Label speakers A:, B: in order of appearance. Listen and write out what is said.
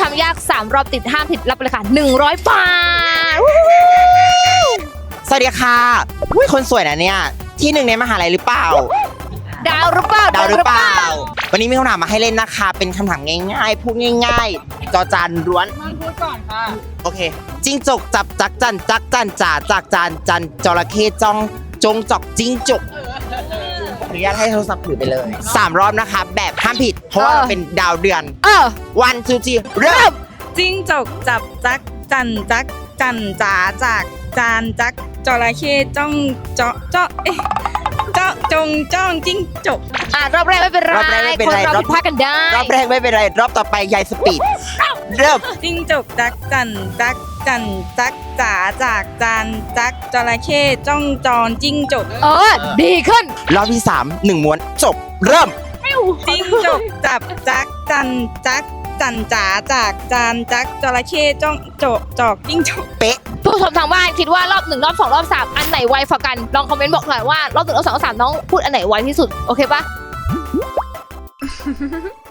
A: ำยาก3รอบติดห้ามผิดรับไปเลยค่ะ100 บาท
B: สวัสดีค่ะอุ้ยคนสวยนะเนี่ยที่หนึ่งในมหาลัยหรือเปล่า
A: ดาวหรือเปล่า
B: ดาวหรือเปล่า วันนี้มีคำถามมาให้เล่นนะคะ เป็นคำถามง่ายๆ พูดง่ายๆ จอจานล้วน
C: มันพูดก่อนค่ะ
B: โอเค จิ้งจกจับจักจันจักจันจ่าจากจานจันจระเข้จ้องจงจอกจิ้งจกอนุญาตให้โทรศัพท์ถือไปเลย3 รอบนะคะ แบบห้ามผิด เพราะว่าเราเป็นดาวเดือน วันซูจีเริ่ม
C: จิ้งจกจับจักจันจักจันจ๋าจากจานจักจระเข้จ้องเจาะเจาะเจาะจงจ้องจิ้งจก
A: รอบแรกไม่เป็นไร
B: รอบแรกไม่เป็นไร
A: คนเราผิดพลาดกันได้
B: รอบแรกไม่เป็นไร รอบต่อไปยายสปีด เริ่ม
C: จิ้งจกจักจันจักจันจักจ๋าจากจานจักจระเข้จ้องจอนจิ้งจก
A: ดีขึ้น
B: รอบที่3 1 ม้วนจบ เริ่ม
C: จิ้งจกจับจักจันจักจันจ๋าจากจานจักจระเข้จ้องโจาะจอกจิ้งจก
B: เป๊ะ
A: ผู้ชมทางบ้านคิดว่ารอบ1รอบ2รอบ3อันไหนไวกว่ากันลองคอมเมนต์บอกหน่อยว่ารอบ1รอบ2รอบ3น้องพูดอันไหนไวที่สุดโอเคปะ